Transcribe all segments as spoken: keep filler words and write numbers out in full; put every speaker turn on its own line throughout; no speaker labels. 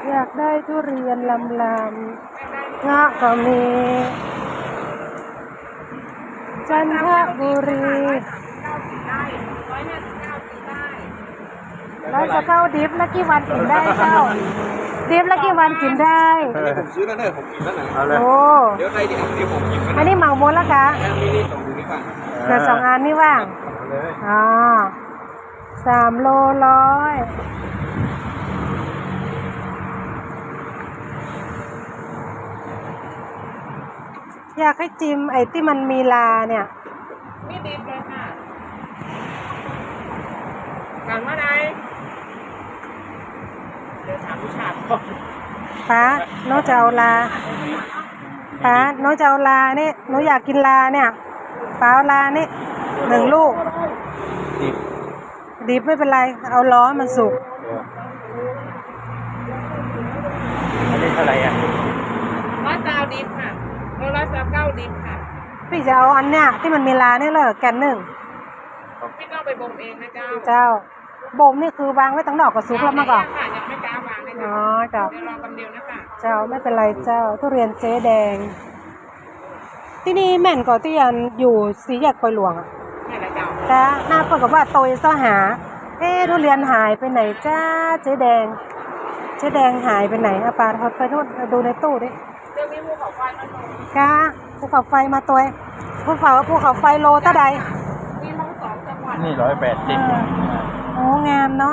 อยากได้ทุเรียนลำลำงะก็มี จันทบุรีร้อยสิบเก้าดิฟแล้วกี่วันกินได้เจ้าดิฟแล้วกี่วันกินได้
ผมซื้อแล้วเนี่ยผมกินแล้วนะ
โอ้
เดี๋ยวใครเดี๋ยวเดี๋ยวผมกิน
อันนี้เหมาหมดแล้วคะ
มีนี่สองดูนี่ป่ะ
เดี๋ยวสองอันนี่ว่างอ๋อสามโลร้อยอยากให้จิ้มไอ้ที่มันมีลาเนี่ย
มีดิบเลยค่ะถามว่าไงเดี๋ยวถามผู้ชายก่อน
ป้าน้องจะเอาลาป้าน้องจะเอาลานี่หนูอยากกินลาเนี่ยป้าเอาลานี่หนึ่งลูก
ดิบ
ดิบไม่เป็นไรเอาล้อมันสุก
อันนี้เท่าไหร่อ่ะ
ร้อยสาวดิบค่ะร้อยสาวเก้าดิบค่ะ
พี่จะเอาอันเนี้ยที่มันมีลาเนี่ยเลยแกนหนึ่ง
พี่ต้องไปบ่มเองนะเจ้า
เจ้าบ่มนี่คือวางไว้ตั้งนอกกับซุกแล้วมาก่อน
ค่ะยังไม่กล้าวางเลย
อ๋อเจ้า
เดี๋ยวรอกันเดียวนะคะ
เจ้าไม่เป็นไรเจ้าทุเรียนเจ๊แดงที่นี่แม่นก่อที่ยันอยู่สีแยกปอยหลวงอ่ะ
นี่แหละเจ้า
จ้าหน้าเปิดกับว่าโตยซ่อหาเอ๊ทุเรียนหายไปไหนจ้าเจ๊แดงเจ๊แดงหายไปไหนอาปาเขาไปนู่นดูในตู้ดิ
เจ้ามีภูเขาไฟมาลง
จ้าภูเขาไฟมาตัวภูเขาภูเขาไฟโลตะใด
มีทั้งสองจังหวัด
นี่ร้อยแปดสิบ
โอ้งามเนาะ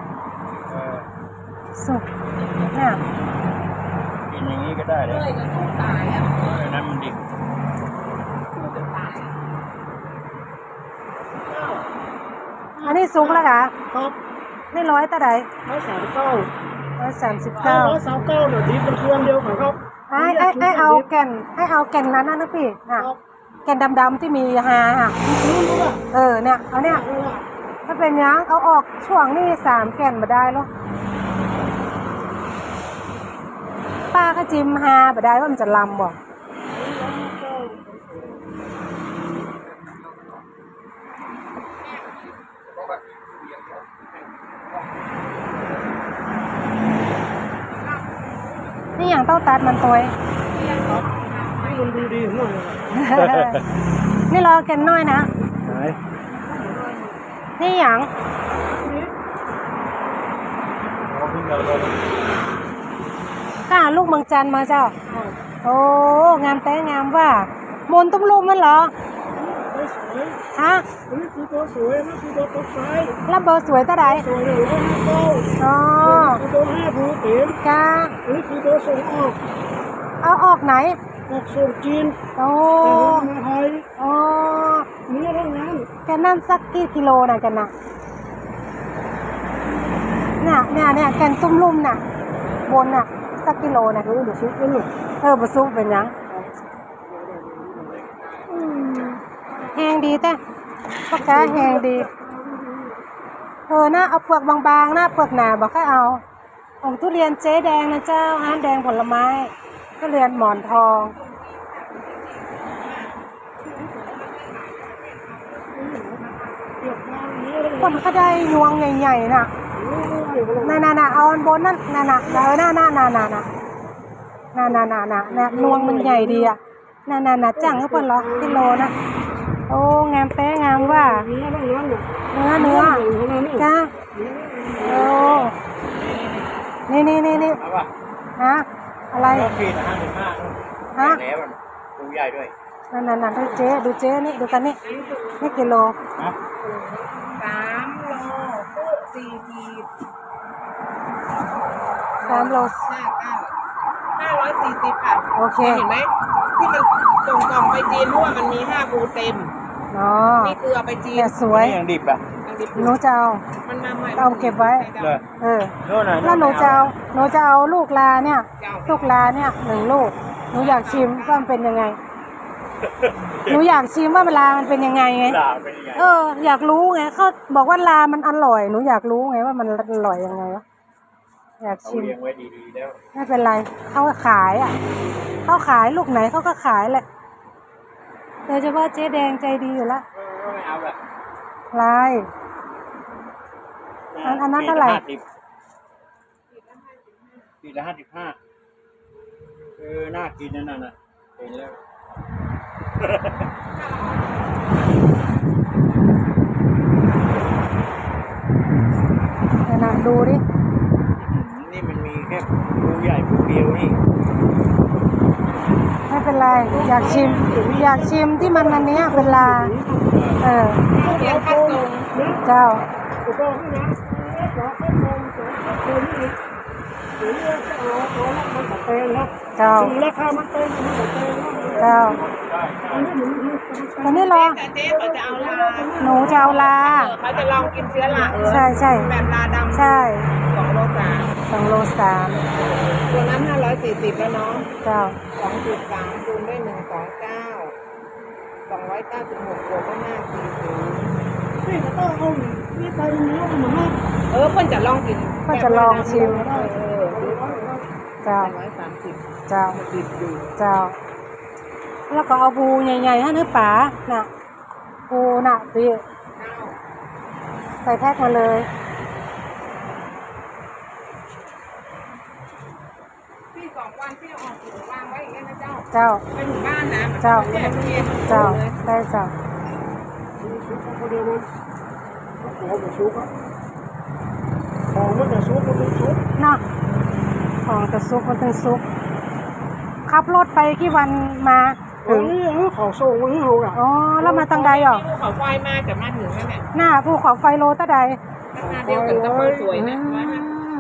สุกเนี่ย
กินอย่างนี้ก็ได้เลย
เลยจะสู้ตายอ่ะ
อันนั้นมันดิบ
สู้จะตาย
อันนี้สุกแล้วค่ะ
ครับ
นี่ร้อยตะใด
ร้อยสามเก้า
ร้อยสามสิบเก้า
ร้อยสามเก้าเดี๋ยวดีเป็นเครื่องเดียวกันครับ
ไอ้ไอ้ไอ้เอาแก่นให้เอาแก่นนั้นนะพี่อ่ะแก่นดำๆที่มีฮาอ่ะเออเนี่ยเอาเนี่ยถ้าเป็นยังเอาออกช่วงนี้สามแก่นมาได้หรอป้าก็จิ้มฮามาได้ว่ามันจะลำบ่นี่อย่างเต้าตัดมันตัว
นี่มันดูดีหน่อย
นี่รอแก่นน้อยนะนี่อย่างก้าลูกเมืองจันมาเจ้าโอ้งามแต่งามว่ามนตุ้มลูกมันเหรอฮะ
นี่คือตัวสวยนี่คือตัวตกไฟ
แล้วเบอร์สวยตาใด
สวยเลยห้าเก้า
อ๋อ
คือตัวห้าผูเต็ม
ก้า
นี่คือตัวส่งออก
เอาออกไหน
ออกส่งจีน
โอ้
มาไทย
อ๋อ
นี่เท่านั้น
แกนั่นสักกี่กิโลนะกันนะเนี่ยเนี่ยเนี่ยแกนตุ้มลุ่มน่ะบนน่ะสักกิโลนะ
เออเดี๋ยวซุปกันลูก
เออบะซุปเป็นยังแห้งดีแต่ปากกาแห้งดีเออนะเอาเปลือกบางๆนะเปลือกหนาบอกให้เอาของทุเรียนเจ๊แดงนะเจ้าห้านแดงผลไม้ทุเรียนหมอนทองคนก็ได้ยวงใหญ่ๆน่ะน่ะน่ะน่ะเอาอันบนนั่นน่ะน่ะเออน่ะน่ะน่ะน่ะน่ะน่ะน่ะน่ะน่ะน่ะนวงมันใหญ่ดีอ่ะน่ะน่ะน่ะจังก็เพิ่นเหรอกิโลนะโอ้งามแป้งามว่าเนื้อเนื้อเนื้อจ้าโอ้นี่นี่นี่นี่ฮะอะไรฮะ
ดูใหญ่ด้วย
นั่นนั่นนั่นดูเจ๊ดูเจ๊นี่ดูกันนี่นี่กิโล
สามโลสี่ขีด
สามโล
ห้าเก้าห้าร้อยสี่สิบค่ะ
โอเค
เห็นไหมที่มันส่งกล่องไปจีนเพราะว่ามันมีห้าภูเต็ม
อ๋อ
นี่คือเอาไปจีน
สวย
ยังดิบอ่ะ
หนูจะเอา
มันมาใหม่
เอาเก็บไว้เออแล้วหนูจะเอาหนูจะเอาลูกลาเนี่ยลูกลาเนี่ยหนึ่งลูกหนูอยากชิมว่ามันเป็นยังไงหนูอยากชิมว่าลามันเป็นยังไงไงเอออยากรู้ไงเขาบอกว่าลามันอร่อยหนูอยากรู้ไงว่ามันอร่อยยังไงวะอยากชิมไม่เป็นไรเขาขายอ่ะเขาขายลูกไหนเขาก็ขายแหละโดยเฉพาะเจ๊แดงใจดีอยู่แล้วลายอันนั้นเท่าไหร่
ปขีดละห้าสิบห้าเออน่ากินนั่นน่ะเห็นแล้ว
เดี๋ยวนะดูดิ
นี่มันมีแค่ปูใหญ่ปูเดียวนี่
ไม่เป็นไร อยากชิม อยากชิมที่มันอันเนี้ยเป็นลา เออ
เรียนคัดทรง
เจ้า
อุปกรณ์นะขอข้าวซองสองคนนี้หรือว่าจะเอาเอาละมันแบบแพงนะ
เจ้า
ถึงราคามันแพงมันแบบแพงนะ
เจ้า
อันนี้หนู
ตอนนี้รอ
แต่เจ๊เขาจะเอาลา
หนูจะเอาลา
เออเขาจะลองกินเชื้อราเออ
ใช่ใช่
แบบลาดำ
ใช่
สองโลสาม
สองโลสาม
ตัวนั้นห้าร้อยสี่สิบแล้วเนาะ
เจ้า
สองจุดสามคูณด้วยหนึ่งสองเก้าสองร้อยเก้าสิบหกบวกก็ห้าสี่ศูนย์
นี่ก็ต้องเอานี่ไปเนื้อมันมาก
เออเพื่อนจะลองกิน
ก็จะลองชิม
เออเออ
เจ้า
ร้อยสามสิบ
เจ้า
สิบอยู่
เจ้า แล้วก็เอาปูใหญ่ๆให้เนื้อป๋าน่ะ ปูน่ะพี่
เก้า
ใส่แพ็คมาเลย
พี่สองวันพี่เอาออกถุงวางไว้อย่างเงี้ยนะเจ้า
เจ้า
ไปถึงบ้านนะ
เจ้า
แยกเย็น
เจ้า
เลย
ได้เจ้า
ซุปเขาเดียวมันของมันซุปอะของมันจะซุปมันเป็นซุป
เนาะของแต่ซุปมันเป็นซุปขับรถไปกี่วันมา
ถึ
ถึ
ง
ง
นี่เออเขาส่งมาให้เราอ่ะ
อ๋อ แล้วมาตังใดอ่ะ
ภูเขาไฟมาจะมาถึงแล้วเนี่ย
หน้าภูเขาไฟโลตะใด
ราคาเดียวกันกับคนสวยนะ
อื
ร้อยห้าสิบ
ม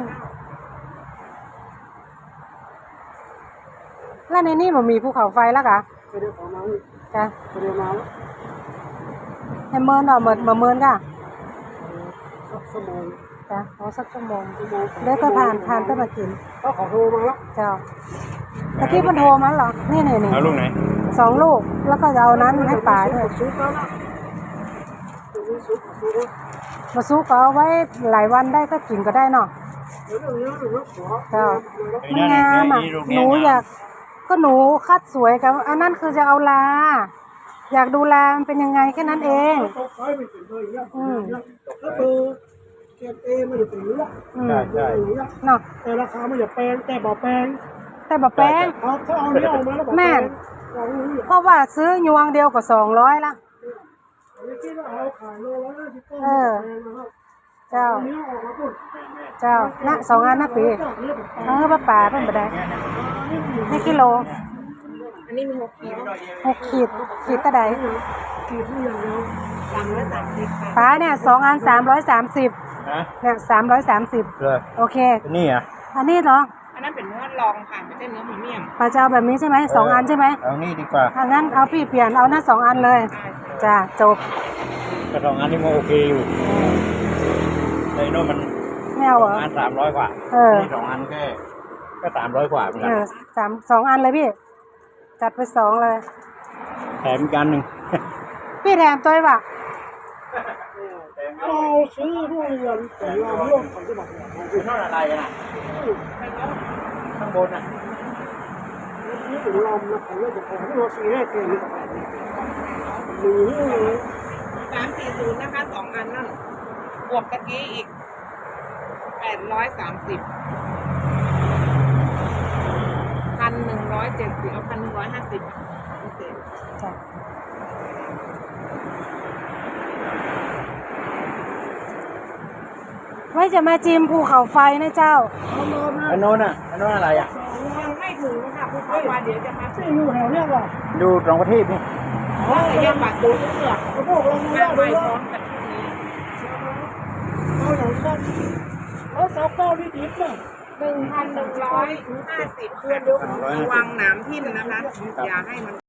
แล้วในนี่มันมีภูเขาไฟแล้วกะ
ไปเดี๋ยวขอมา
จ้ะ
ไปเดี๋ยวมาแล้ว
ให้เมินอ่ะเมินมาเมินกะ
สักชั่วโมง
จ้ะเอาสักชั่วโมง
ชั่วโมง
เดี๋ยวก็ผ่านผ่านก็มากิน
ก็ขอโทรมาแล้ว
เจ้าตะกี้มันโทรมาเหรอ นี่นี่นี่
เอาลูกไหน
สองลูก แล้วก็จะเอานั้นให้ป๋าด้วย
ซุปแล้วนะซุปซุป
มาสู้ก็เอาไว้หลายวันได้ก็กินก็ได้เนาะ
เดี๋ยวเดี๋ยวเดี๋ยวขอ
เจ้า
ไอ้
มัน
นั่น
งามอ่ะ
ไอ้ลูก
ห
เนี้
นู
ย
อยาก ก็หนูคัดสวยกับอันนั้นคือจะเอาลา อยากดูลามันเป็นยังไงแค่นั้นเอง
ตกไฟไม่ถึงเลยเนี่ยถ้าเบอร์เกรดเอมันจะถึงเนี้ย
อืม
ใช่ใช่
เนาะ
แต่ราคามันจะแพงแต่บ่แพง
แต่แบบแป้ง
เอาถ้าเอาเนี้ยออกมาแล้วบ่แพงลองดูดิ
เพราะว่าซื้อยวงเดียวก็สองร้อยละ
ไม่คิดว่าเอาขายโลละห้าสิบต้น
เออ
แพงนะครับ
เจ้า
เนี้ยออกมาปุ๊บ
เจ้านะสองอันนะปีเออป้าป่าเป็นบ่ได้นี่กิโล
อันนี้มีหกขีด
หกขีดขีดตะใด
ขีดที่อย่างเดียว
สามร้อยสามสิบค่ะ
ป้าเนี่ยสองอันสามร้อยสามสิบ
ฮะ
เนี่ยสามร้อยสามสิบ
เลย
โอเค
นี่อ่ะ
อันนี้เหรอ
อันนั้นเป็นเนื้อลองค่ะไม่ใช่เนื้อพรีเมียม
ป้าจะเอาแบบนี้ใช่ไหมสองอันใช่ไหม
เอานี่ดีกว่า
อันนั้นเอาพี่เปลี่ยนเอาหน้าสองอันเลย จ้าจบ
กระสองอันนี้มันโอเคอยู่ในโน่นมัน
ไม่เอา
ส
เหร
อง
อ
อันสามร้อยกว่า
เออ
นี่สองอันแค่ก็สามร้อยกว่าเหมือน
เอ
กัน
อสามสองอันเลยพี่ จัดไปสองเลย
แถมอีกอันหนึ่ง
พี่แถมตัวไอ้ว่ะ
เราซื้อทุเรียนแต่เราร่วมกันจะบอก
คือเท่าอะไรกันอ่ะข้างบนอ่ะ
นี่เป็นลมนะของเราจะของเราสี่ห้าเกณฑ์นี่หรือ
สามสี่ศูนย์นะคะสองอันนั่นบวกตะกี้อีกแปดร้อยสามสิบพันหนึ่งร้อยเจ็ดสิบเอาพันหนึ่งร้อยห้าสิบพิเศษ
จ้ะไว้จะมาจิมภูเขาไฟนะเจ้า
เอามานะ
อันโน้นอ่ะอันโน้นอะไรอ่ะ
ยังไม่ถึงค่ะผู้เข้ามาเดี๋ยวจะมา
ที่อยู่แถวเนี้ยว่ะ
ดูตรงประทีปนี่
เพราะระยะบัตรดูเลือก
เขาบอกเราไม่
มา
ได้
ไป
เลย
พร้อ
ว่าม
กันที่นี้
เอาอย่างนั้นเอาสาวเก้าที่ดิบเนี่ย
หนึ่งพันหนึ่งร้อยห้าสิบเพื่อนดูระวังหนามทิ่มนะคะ อย่าให้มัน